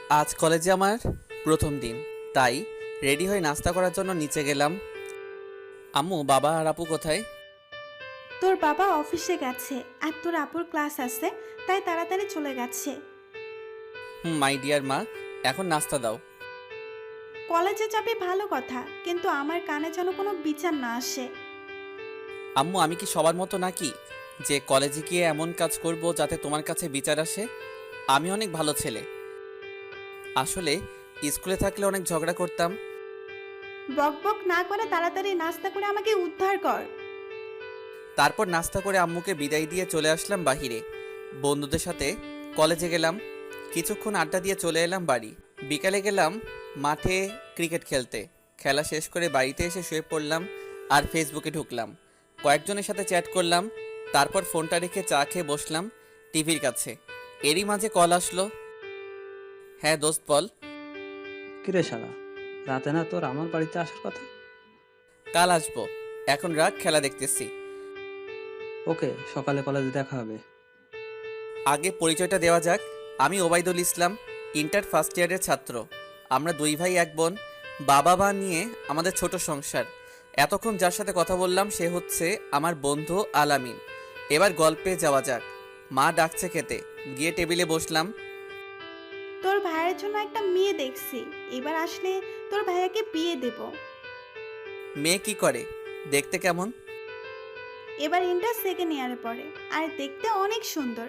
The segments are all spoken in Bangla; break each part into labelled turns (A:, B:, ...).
A: আজ কলেজে আমার প্রথম দিন, তাই রেডি হয়ে নাস্তা করার জন্য নিচে গেলাম। আম্মু, বাবা আর আপু কোথায়?
B: তোর বাবা অফিসে গেছে আর তোর আপুর ক্লাস আছে, তাই তাড়াতাড়ি চলে গেছে।
A: মাই ডিয়ার মা, এখন নাস্তা দাও।
B: কলেজে যাবে ভালো কথা, কিন্তু আমার কানে যেন কোনো বিচার না আসে।
A: আম্মু, আমি কি সবার মতো নাকি যে কলেজে গিয়ে এমন কাজ করব যাতে তোমার কাছে বিচার আসে? আমি অনেক ভালো ছেলে। আসলে স্কুলে থাকলে অনেক ঝগড়া করতাম।
B: বক বক না করে তাড়াতাড়ি নাস্তা করে আমাকে উদ্ধার কর।
A: তারপর নাস্তা করে আম্মুকে বিদায় দিয়ে চলে আসলাম বাহিরে। বন্ধুদের সাথে কলেজে গেলাম, কিছুক্ষণ আড্ডা দিয়ে চলে এলাম বাড়ি। বিকালে গেলাম মাঠে ক্রিকেট খেলতে। খেলা শেষ করে বাড়িতে এসে শুয়ে পড়লাম আর ফেসবুকে ঢুকলাম। কয়েকজনের সাথে চ্যাট করলাম, তারপর ফোনটা রেখে চা খেয়ে বসলাম টিভির কাছে। এরই মাঝে কল আসলো। হ্যাঁ দোস্ত, বল।
C: কিরে শালা, রাতে না তোর আমার বাড়িতে আসার কথা?
A: কাল আসবো, এখন রাত, খেলা দেখতেছি।
C: ওকে, সকালে কলেজে দেখা হবে।
A: আগে পরিচয়টা দেওয়া যাক। আমি ওবায়দুল ইসলাম, ইন্টার ফার্স্ট ইয়ারের ছাত্র। আমরা দুই ভাই এক বোন। বাবা মা নিয়ে আমাদের ছোট সংসার। এতক্ষণ যার সাথে কথা বললাম সে হচ্ছে আমার বন্ধু আলামিন। এবার গল্পে যাওয়া যাক। মা ডাকছে খেতে, গিয়ে টেবিলে বসলাম।
B: তোর ভাইয়ের জন্য একটা মেয়ে দেখছি, এবার আসলে তোর ভাইয়াকে বিয়ে দেব।
A: মেয়ে কি করে? দেখতে কেমন?
B: এবার ইন্টার সেকেন্ড ইয়ারে পড়ে, আর দেখতে অনেক সুন্দর।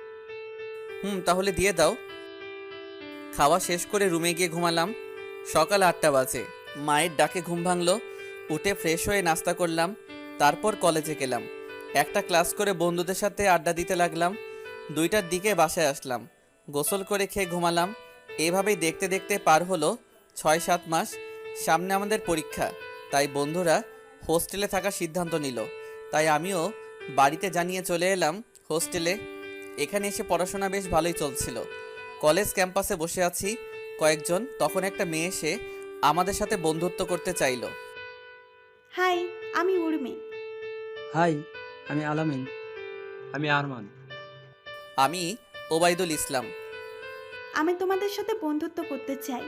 A: তাহলে দিয়ে দাও। খাওয়া শেষ করে রুমে গিয়ে ঘুমালাম। সকাল 8টা বাজে। মায়ের ডাকে ঘুম ভাঙলো। উঠে ফ্রেশ হয়ে নাস্তা করলাম। তারপর কলেজে গেলাম। একটা ক্লাস করে বন্ধুদের সাথে আড্ডা দিতে লাগলাম। 2টার দিকে বাসায় আসলাম। গোসল করে খেয়ে ঘুমালাম। এভাবেই দেখতে দেখতে পার হলো 6-7 মাস। সামনে আমাদের পরীক্ষা, তাই বন্ধুরা হোস্টেলে থাকার সিদ্ধান্ত নিল। তাই আমিও বাড়িতে জানিয়ে চলে এলাম হোস্টেলে। এখানে এসে পড়াশোনা বেশ ভালোই চলছিল। কলেজ ক্যাম্পাসে বসে আছি কয়েকজন, তখন একটা মেয়ে এসে আমাদের সাথে বন্ধুত্ব করতে চাইলো।
B: হাই, আমি উর্মি।
C: হাই, আমি আলামিন।
D: আমি আরমান।
A: আমি ওবায়দুল ইসলাম।
B: আমি তোমাদের সাথে বন্ধুত্ব করতে চাই।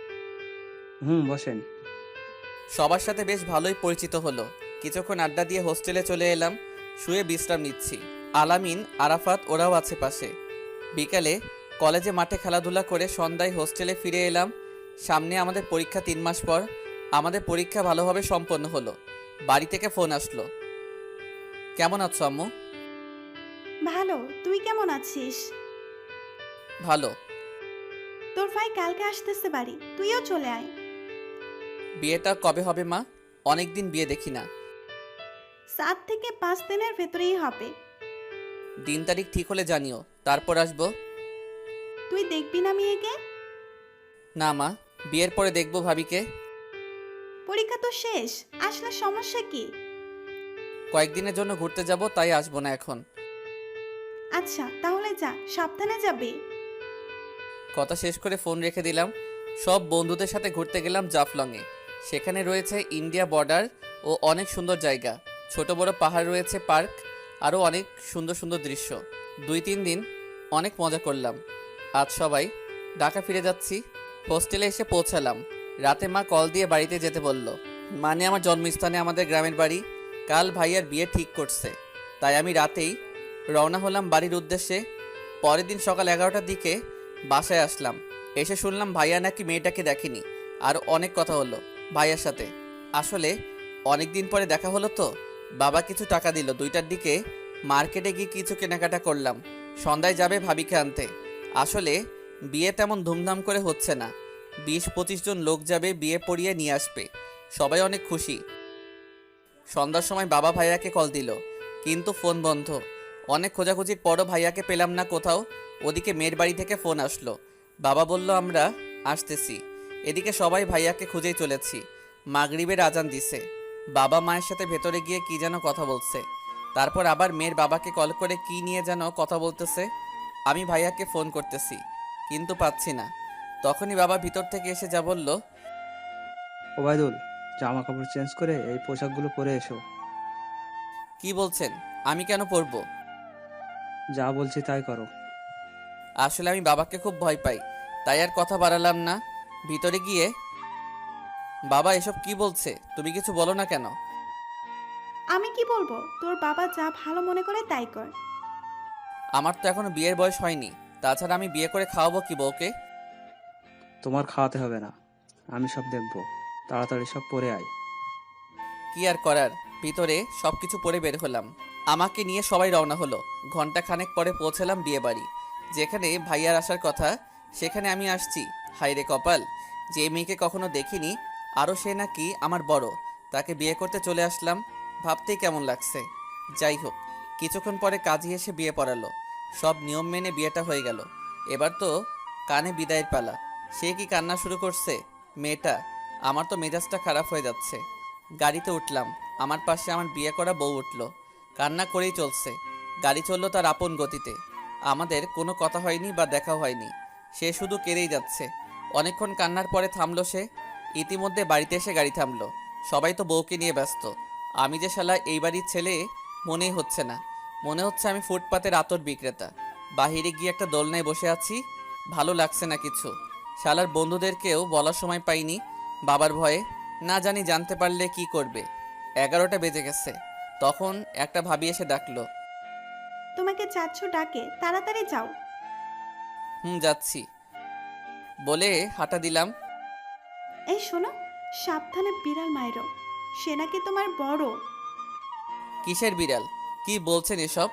C: বসেন।
A: সবার সাথে বেশ ভালোই পরিচিত হলো। কিছুক্ষণ আড্ডা দিয়ে হোস্টেলে চলে এলাম। শুয়ে বিশ্রাম নিচ্ছি। আলামিন, আরাফাত ওরাও আছে পাশে। বিকালে কলেজে মাঠে খেলাধুলা করে সন্ধ্যায় হোস্টেলে ফিরে এলাম। সামনে আমাদের পরীক্ষা 3 মাস পর। আমাদের পরীক্ষা ভালোভাবে সম্পন্ন হলো। বাড়ি থেকে ফোন আসলো। কেমন আছো আম্মু?
B: ভালো, তুই কেমন আছিস?
A: ভালো।
B: তোর ভাই কালকে আসতেছে বাড়ি, তুইও চলে আয়।
A: বিয়েটা কবে হবে মা? অনেক দিন বিয়ে দেখি না।
B: 7 থেকে 5 দিনের ভেতরেই হবে।
A: দিন তারিখ ঠিক হলে জানিও, তারপর আসবো।
B: তুই দেখবি না মেয়েকে?
A: না মা, বিয়ের পরে দেখবো ভাবিকে।
B: পরীক্ষা তো শেষ, আসলে সমস্যা কি?
A: কয়েকদিনের জন্য ঘুরতে যাব, তাই আসবো না এখন।
B: আচ্ছা তাহলে যা, সাবধানে যাবি।
A: কথা শেষ করে ফোন রেখে দিলাম। সব বন্ধুদের সাথে ঘুরতে গেলাম জাফলংয়ে। সেখানে রয়েছে ইন্ডিয়া বর্ডার ও অনেক সুন্দর জায়গা। ছোট বড় পাহাড় রয়েছে, পার্ক, আরও অনেক সুন্দর সুন্দর দৃশ্য। 2-3 দিন অনেক মজা করলাম। আজ সবাই ঢাকা ফিরে যাচ্ছি। হোস্টেলে এসে পৌঁছালাম। রাতে মা কল দিয়ে বাড়িতে যেতে বলল। মানে আমার জন্মস্থানে, আমাদের গ্রামের বাড়ি। কাল ভাইয়ার বিয়ে ঠিক করছে, তাই আমি রাতেই রওনা হলাম বাড়ির উদ্দেশ্যে। পরের দিন সকাল 11টার দিকে বাসায় আসলাম। এসে শুনলাম ভাইয়া নাকি মেয়েটাকে দেখেনি। আর অনেক কথা হলো ভাইয়ার সাথে। আসলে অনেক দিন পরে দেখা হলো তো। বাবা কিছু টাকা দিল। 2টার দিকে মার্কেটে গিয়ে কিছু কেনাকাটা করলাম। সন্ধ্যায় যাবে ভাবিকে আনতে। আসলে বিয়ে তেমন ধুমধাম করে হচ্ছে না। 20-25 জন লোক যাবে, বিয়ে পড়িয়ে নিয়ে আসবে। সবাই অনেক খুশি। সন্ধ্যার সময় বাবা ভাইয়াকে কল দিল, কিন্তু ফোন বন্ধ। অনেক খোঁজাখুঁজির পরও ভাইয়াকে পেলাম না কোথাও। ওদিকে মেয়ের বাড়ি থেকে ফোন আসলো। বাবা বলল আমরা আসতেছি। এদিকে সবাই ভাইয়াকে খুঁজেই চলেছি। মাগরিবের আজান দিছে। বাবা মায়ের সাথে ভেতরে গিয়ে কি যেন কথা বলছে। তারপর আবার মেয়ের বাবাকে কল করে কি নিয়ে যেন কথা বলতেছে। আমি ভাইয়াকে ফোন করতেছি, কিন্তু পাচ্ছি না। তখনই বাবা ভিতর থেকে এসে যা বলল।
C: ওবায়দুল, জামা কাপড় চেঞ্জ করে এই পোশাকগুলো পরে এসো।
A: কি বলছেন? আমি কেন পরবো?
C: যা বলছি তাই করো।
A: আসলে আমি বাবাকে খুব ভয় পাই, তাই আর কথা বাড়ালাম না। ভিতরে গিয়ে, বাবা এসব কি বলছে, তুমি কিছু বলো না কেন?
B: আমি কি বলবো? তোর বাবা যা ভালো মনে করে তাই কর।
A: আমার তো এখনো বিয়ের বয়স হয়নি, তাছাড়া আমি বিয়ে করে খাওয়াবো কি বউকে?
C: তোমার খাওয়াতে হবে না, আমি সব দেখবো। তাড়াতাড়ি সব পরে আয়।
A: কি আর করার, ভিতরে সব কিছু পরে বের হলাম। আমাকে নিয়ে সবাই রওনা হলো। ঘন্টা খানেক পরে পৌঁছালাম বিয়ে বাড়ি। যেখানে ভাইয়ার আসার কথা সেখানে আমি আসছি। হায় রে কপাল, যে মেয়েকে কখনো দেখিনি, আরও সে নাকি আমার বড়, তাকে বিয়ে করতে চলে আসলাম। ভাবতেই কেমন লাগছে। যাই হোক, কিছুক্ষণ পরে কাজী এসে বিয়ে পড়ালো। সব নিয়ম মেনে বিয়েটা হয়ে গেল। এবার তো কানে বিদায়ের পালা। সে কি কান্না শুরু করছে মেয়েটা! আমার তো মেজাজটা খারাপ হয়ে যাচ্ছে। গাড়িতে উঠলাম, আমার পাশে আমার বিয়ে করা বউ উঠলো। কান্না করেই চলছে। গাড়ি চললো তার আপন গতিতে। আমাদের কোনো কথা হয়নি বা দেখা হয়নি। সে শুধু কেঁদেই যাচ্ছে। অনেকক্ষণ কান্নার পরে থামলো সে। ইতিমধ্যে বাড়িতে এসে গাড়ি থামলো। সবাই তো বউকে নিয়ে ব্যস্ত। আমি যে শালা এই বাড়ির ছেলে মনেই হচ্ছে না। মনে হচ্ছে আমি ফুটপাতের আতর বিক্রেতা। বাহিরে গিয়ে একটা দোলনায় বসে আছি। ভালো লাগছে না কিছু। শালার বন্ধুদেরকেও বলার সময় পাইনি বাবার ভয়ে। না জানি জানতে পারলে কি করবে। 11টা বেজে গেছে। তখন একটা ভাবি এসে ডাকলো।
B: তোমাকে চাচ্ছ ডাকে, তাড়াতাড়ি যাও।
A: যাচ্ছি বলে হাঁটা দিলাম।
B: এই শোনো, সাবধানে বিড়াল মাইরো, সে নাকি তোমার বড়।
A: কিসের বিড়াল? কি বলছেন এসব?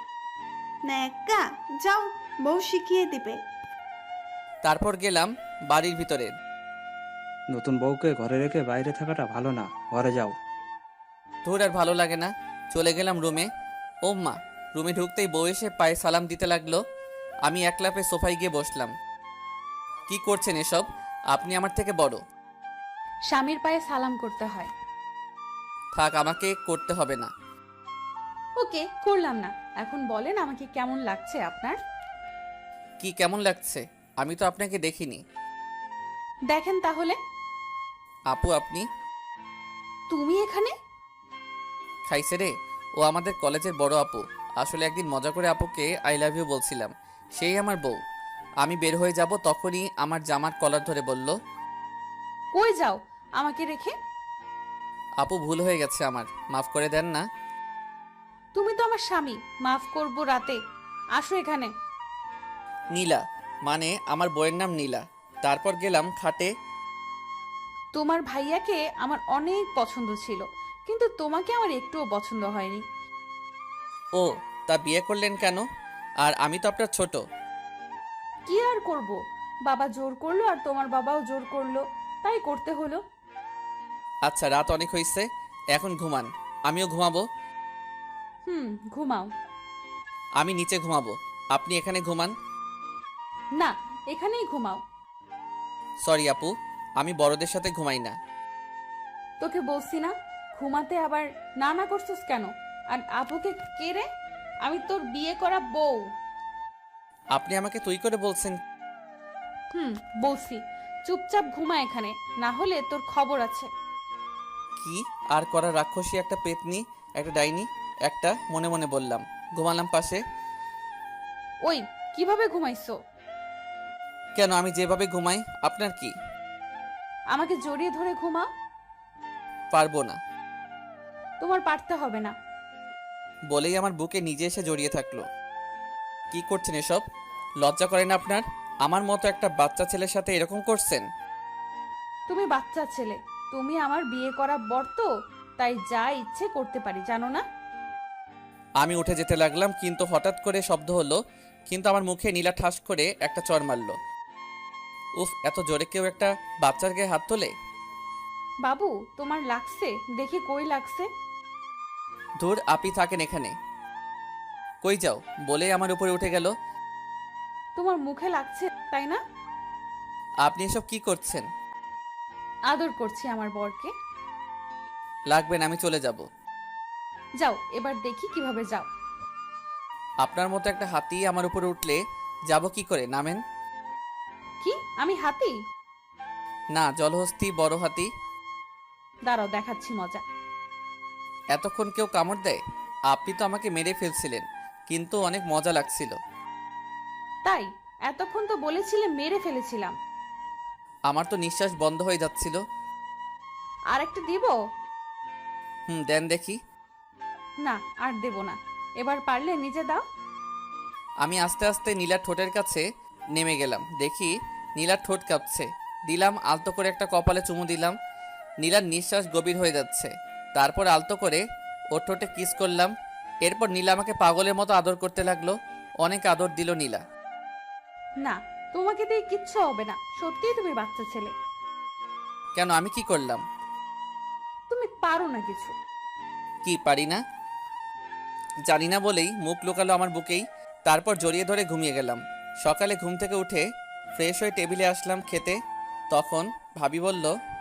B: ন্যাকা, যাও, বউ শিখিয়ে দিবে।
A: তারপর গেলাম বাড়ির ভিতরে।
C: নতুন বউকে ঘরে রেখে বাইরে থাকাটা ভালো না, ঘরে যাও।
A: ধুর, আর ভালো লাগে না। চলে গেলাম রুমে। ও মা! রুমে ঢুকতেই বউ এসে পায়ে সালাম দিতে লাগলো। আমি এক লাফে সোফায় গিয়ে বসলাম। কি করছেন এসব? আপনি আমার থেকে বড়।
E: স্বামীর পায়ে সালাম করতে হয়।
A: থাক, আমাকে করতে হবে না।
E: ওকে, করলাম না। এখন বলেন আমাকে কেমন লাগছে আপনার?
A: কি কেমন লাগছে? আমি তো আপনাকে দেখিনি।
E: দেখেন তাহলে।
A: আপু আপনি?
E: তুমি এখানে?
A: খাইছে রে। ও আমাদের কলেজের বড় আপু। আসলে একদিন মজা করে আপুকে আই লাভ ইউ বলছিলাম। সেই আমার বউ। আমি বের হয়ে যাব তখনই আমার জামার কলার ধরে বলল,
E: কই যাও আমাকে রেখে?
A: আপু ভুল হয়ে গেছে আমার, মাফ করে দেন না।
E: তুমি তো আমার স্বামী, মাফ করব রাতে। আসো এখানে।
A: নীলা, মানে আমার বইয়ের নাম নীলা। তারপর গেলাম খাটে।
E: তোমার ভাইয়াকে আমার অনেক পছন্দ ছিল, কিন্তু তোমাকে আমার একটুও পছন্দ হয়নি।
A: ও, তা বিয়ে করলেন কেন? আর আমি তো আপনার ছোট।
E: কি আর করব, বাবা জোর করলো আর তোমার বাবাও জোর করলো, তাই করতে হলো।
A: আচ্ছা, রাত অনেক হয়েছে, এখন ঘুমান। আমিও ঘুমাবো।
E: ঘুমাও।
A: আমি নিচে ঘুমাবো, আপনি এখানে ঘুমান।
E: না, এখানেই ঘুমাও।
A: সরি আপু, আমি বড়দের সাথে ঘুমাই না।
E: তোকে বলছি না ঘুমাতে, আবার না না করছিস কেন? আর আপুকে কে রে? আমি তোর বিয়ে করা বউ।
A: আপনি আমাকে তুই করে বলছেন?
E: বলছি চুপচাপ ঘুমা এখানে, না হলে তোর খবর আছে।
A: কি আর করা, রাক্ষসী একটা পেতনি, একটা ডাইনি একটা, মনে মনে বললাম। ঘুমালাম পাশে।
E: ওই, কিভাবে ঘুমাইছো?
A: কেন, আমি যেভাবে ঘুমাই আপনার কি?
E: আমাকে জড়িয়ে ধরে ঘুমা।
A: পারবো না।
E: তোমার পারতে হবে না।
A: বলেই আমার বুকে নিজে এসে জড়িয়ে থাকলো। কি করছেন এসব? লজ্জা করেন আপনার? আমার মতো একটা বাচ্চা ছেলের সাথে এরকম করছেন?
E: তুমি বাচ্চা ছেলে, তুমি আমার বিয়ে করা বর তো, তাই যা ইচ্ছে করতে পারি, জানো না?
A: আমি উঠে যেতে লাগলাম, কিন্তু হঠাৎ করে শব্দ হলো। কিন্তু আমার মুখে নীলা ঠাস করে একটা চড় মারলো। উফ, এত জোরে কেউ একটা বাচ্চার গায়ে হাত তোলে?
E: বাবু, তোমার লাগছে? দেখি কই লাগছে।
A: ধুর, আপনি থাকেন এখানে। কই যাও বলে আমার উপরে উঠে গেল।
E: তোমার মুখে লাগছে তাই না?
A: আপনি এসব কি করছেন?
E: আদর করছি আমার বরকে।
A: লাগবে না, আমি চলে যাব।
E: যাও, এবার দেখি কিভাবে যাও।
A: আপনার মতো একটা হাতি আমার উপরে উঠলে যাব কি করে? নামেন।
E: কি আমি হাতি?
A: না, জলহস্তী বড় হাতি।
E: দাঁড়াও, দেখাচ্ছি মজা।
A: এতক্ষণ কেউ কামড় দেয়? আপনি তো আমাকে মেরে ফেলছিলেন, কিন্তু অনেক মজা লাগছিল।
E: তাই এতক্ষণ তো বলেছিলে মেরে ফেলেছিলাম।
A: আমার তো নিঃশ্বাস বন্ধ হয়ে যাচ্ছিল।
E: আর একটা দিব?
A: দেন দেখি।
E: না, আর দেব না। এবার পারলে নিজে দাও।
A: আমি আস্তে আস্তে নীলার ঠোঁটের কাছে নেমে গেলাম, দেখি নীলার ঠোঁট কাঁপছে। দিলাম আলতো করে একটা কপালে চুমু দিলাম। নীলার নিঃশ্বাস গভীর হয়ে যাচ্ছে। তারপর আলতো করে ওর ঠোঁটে কিস করলাম। এরপর নীলা আমাকে পাগলের মতো আদর করতে লাগলো। অনেক আদর দিল নীলা।
E: না, তোমাকে দিয়ে কিচ্ছু হবে না, সত্যিই তুমি বাচ্চা ছেলে।
A: কেন, আমি কি করলাম?
E: তুমি পারো না কিছু।
A: কি পারি না? জানি না বলেই মুখ লুকালো আমার বুকেই। তারপর জড়িয়ে ধরে ঘুমিয়ে গেলাম। সকালে ঘুম থেকে উঠে ফ্রেশ হয়ে টেবিলে আসলাম খেতে। তখন ভাবি বলল,